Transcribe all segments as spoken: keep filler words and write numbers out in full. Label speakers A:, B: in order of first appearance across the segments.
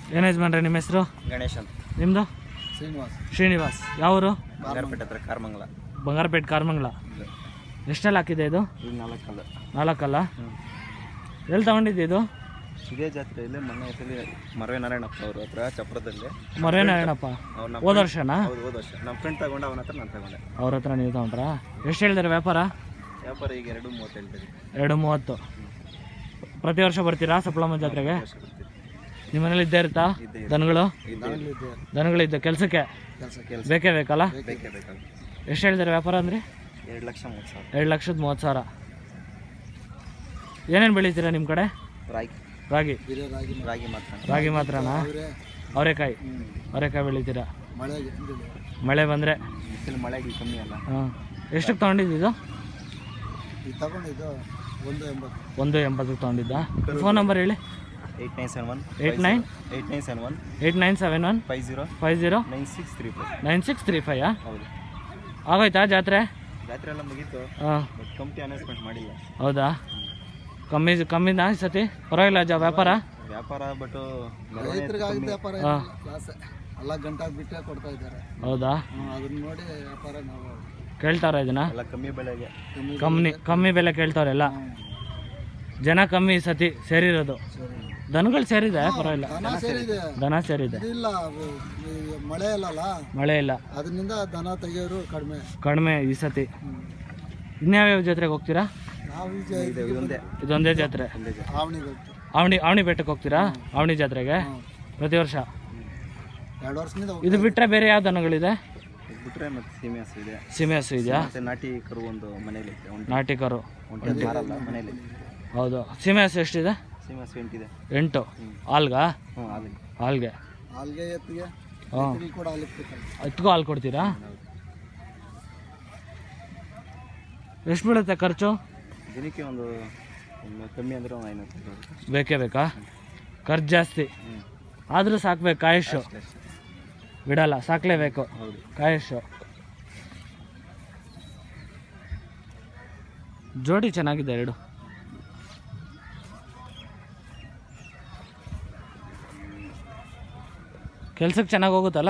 A: ಏನು ಯಜಮಾನ್ರೆ ನಿಮ್ಮ ಹೆಸರು?
B: ಗಣೇಶ್ ಅಂತ.
A: ನಿಮ್ಮದು?
B: ಶ್ರೀನಿವಾಸ್.
A: ಶ್ರೀನಿವಾಸ್. ಯಾವರು?
B: ಬಂಗಾರಪೇಟೆ ಹತ್ರ ಕಾರ್ಮಂಗಲ.
A: ಬಂಗಾರಪೇಟೆ ಕಾರ್ಮಂಗಲ. ಎಷ್ಟೆಲ್ಲ ಹಾಕಿದೆ ಇದು?
B: ಈಗ ನಾಲ್ಕಲ್ಲ.
A: ನಾಲ್ಕಲ್ಲ? ಎಲ್ಲಿ ತಗೊಂಡಿದ್ದೆ ಇದು?
B: ಇದೇ ಜಾತ್ರೆಯಲ್ಲಿ ಮೊನ್ನೆ ಹೆಸರಲ್ಲಿ ಮರವೆ ನಾರಾಯಣಪ್ಪ ಅವ್ರ ಹತ್ರ ಚಪ್ರದಲ್ಲಿ.
A: ಮರವೆ ನಾರಾಯಣಪ್ಪ ಹೋದ ವರ್ಷನಾ?
B: ಹೌದು, ಹೋದ ವರ್ಷ ನಮ್ಮ ಫ್ರೆಂಡ್ ತಗೊಂಡು ಅವನ ಹತ್ರ ನಾನು ತಗೊಂಡೆ.
A: ಅವ್ರ ಹತ್ರ ನೀವು ತಗೊಂಡ್ರಾ? ಎಷ್ಟು ಹೇಳಿದಾರೆ ವ್ಯಾಪಾರ?
B: ವ್ಯಾಪಾರ ಈಗ ಎರಡು ಮೂವತ್ತು ಹೇಳ್ತೀರಿ.
A: ಎರಡು ಮೂವತ್ತು. ಪ್ರತಿ ವರ್ಷ ಬರ್ತೀರಾ ಸಪ್ಲಮ್ಮ ಜಾತ್ರೆಗೆ? ನಿಮ್ಮ ಮನೇಲಿ ಇದ್ದೇ ಇರುತ್ತಾ ದನಗಳು? ದನಗಳಿದ್ದ ಕೆಲಸಕ್ಕೆ ಬೇಕೇ ಬೇಕಲ್ಲ?
B: ಬೇಕೇ ಬೇಕಲ್ಲ.
A: ಎಷ್ಟು ಹೇಳಿದಾರೆ ವ್ಯಾಪಾರ ಅಂದರೆ?
B: ಎರಡು ಲಕ್ಷ ಮೂವತ್ತು ಸಾವಿರ.
A: ಎರಡು ಲಕ್ಷದ ಮೂವತ್ತು ಸಾವಿರ. ಏನೇನು ಬೆಳಿತೀರಾ ನಿಮ್ಮ ಕಡೆ?
B: ರಾಗಿ.
A: ರಾಗಿ
B: ರಾಗಿ ಮಾತ್ರ.
A: ರಾಗಿ ಮಾತ್ರನಾ? ಅವರೆಕಾಯಿ ಅವರೆಕಾಯಿ ಬೆಳಿತೀರಾ? ಮಳೆ ಬಂದರೆ?
B: ಮಳೆಗೆ ಕಮ್ಮಿ ಅಲ್ಲ.
A: ಹಾಂ. ಎಷ್ಟಕ್ಕೆ ತೊಗೊಂಡಿದ್ದು?
B: ತಗೊಂಡಿದ್ದು ಒಂದು ಎಂಬತ್ತು.
A: ಒಂದು ಎಂಬತ್ತಕ್ಕೆ ತೊಗೊಂಡಿದ್ದ. ಫೋನ್ ನಂಬರ್ ಹೇಳಿ.
B: Eight nine seven one
A: eight nine
B: eight nine seven one
A: eight nine seven one
B: five zero
A: five zero
B: nine six three five
A: nine six three ಫೈಯಾ?
B: ಹೌದು.
A: ಆಗೋಯ್ತಾ ಜಾತ್ರೆ?
B: ಜಾತ್ರೆ ಎಲ್ಲ ಮುಗೀತು.
A: ಹಾಂ.
B: ಬಟ್ ಕಂಪ್ನಿ ಅನೌನ್ಸ್ಮೆಂಟ್ ಮಾಡಿಲ್ಲ.
A: ಹೌದಾ? ಕಮ್ಮಿ ಕಮ್ಮಿನಾ ಈ ಸತಿ? ಪರವಾಗಿಲ್ಲ ಜಾ ವ್ಯಾಪಾರ?
B: ವ್ಯಾಪಾರ ಬಟ್
A: ಹಾಂ.
B: ಎಲ್ಲ ಗಂಟಾಗಿ ಬಿಟ್ಟೆ ಕೊಡ್ತಾ ಇದ್ದಾರೆ.
A: ಹೌದಾ?
B: ಅದನ್ನ ನೋಡಿ ವ್ಯಾಪಾರ ನಾವು
A: ಕೇಳ್ತಾರ ಇದನ್ನ?
B: ಎಲ್ಲ ಕಮ್ಮಿ ಬೆಲೆಗೆ.
A: ಕಮ್ಮಿ ಕಮ್ಮಿ ಬೆಲೆ ಕೇಳ್ತಾವ್ರೆಲ್ಲ ಜನ. ಕಮ್ಮಿ ಈ ಸತಿ ಸೇರಿರೋದು. ದನಗಳು ಸೇರಿದೆ ಪರವಾಗಿಲ್ಲ. ದನ ಸೇರಿದೆ.
B: ಮಳೆ ಇಲ್ಲಲ್ಲ,
A: ಮಳೆ ಇಲ್ಲ,
B: ಅದರಿಂದ ದನ ತೆಗಿಯೋರು ಕಡಿಮೆ
A: ಕಡಿಮೆ ಈ ಸತಿ. ಇನ್ಯಾವ್ಯಾವ ಜಾತ್ರೆಗೆ ಹೋಗ್ತೀರಾ? ಇದೊಂದೇ ಜಾತ್ರೆ. ಆವಣಿ ಆವಣಿ ಬೆಟ್ಟಕ್ಕೆ ಹೋಗ್ತೀರಾ? ಆವಣಿ ಜಾತ್ರೆಗೆ ಪ್ರತಿ ವರ್ಷ?
B: ಎರಡು ವರ್ಷದಿಂದ.
A: ಇದು ಬಿಟ್ಟರೆ ಬೇರೆ ಯಾವ ದನಗಳಿದೆ?
B: ಬಿಟ್ಟರೆ ಮತ್ತೆ ಸೀಮೆ ಹಸು ಇದೆ.
A: ಸೀಮೆ ಹಸು ಇದೆಯಾ?
B: ನಾಟಿ ಕರು ಒಂದು ಮನೇಲಿ ಇದೆ.
A: ನಾಟಿ ಕರು
B: ಮನೇಲಿ.
A: ಹೌದು. ಸೀಮೆ ಹಸು ಎಷ್ಟಿದೆ?
B: ಸೀಮೆ ಹಸು ಎಂಟಿದೆ.
A: ಎಂಟು. ಹಾಲ್ಗಾ?
B: ಹ್ಞೂ ಹಾಲಿಗೆ.
A: ಹಾಲ್ಗೆ.
B: ಹಾಲ್ಗೆ ಎತ್ತಿಗೆ.
A: ಹಾಂ.
B: ಕೂಡ ಹಾಲು ಕೊಡ್ತಾರೆ.
A: ಎತ್ತಿಗೂ ಹಾಲು ಕೊಡ್ತೀರಾ? ಎಷ್ಟು ಬೀಳುತ್ತೆ ಖರ್ಚು?
B: ದಿನಕ್ಕೆ ಒಂದು ಕಮ್ಮಿ ಅಂದರೆ ಒಂದು ಐನೂರು
A: ಬೇಕೇ ಬೇಕಾ? ಖರ್ಚು ಜಾಸ್ತಿ ಆದರೂ ಸಾಕ್ಬೇಕು. ಕಾಯಶು ಬಿಡಲ್ಲ, ಸಾಕ್ಲೇಬೇಕು. ಕಾಯಶು. ಜೋಡಿ ಚೆನ್ನಾಗಿದೆ ಎರಡು. ಕೆಲ್ಸಕ್ಕೆ ಚೆನ್ನಾಗಿ ಹೋಗುತ್ತಲ್ಲ?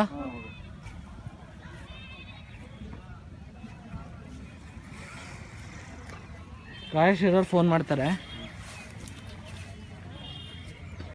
A: ಕಾಯಶ್ ಇರೋರು ಫೋನ್ ಮಾಡ್ತಾರೆ.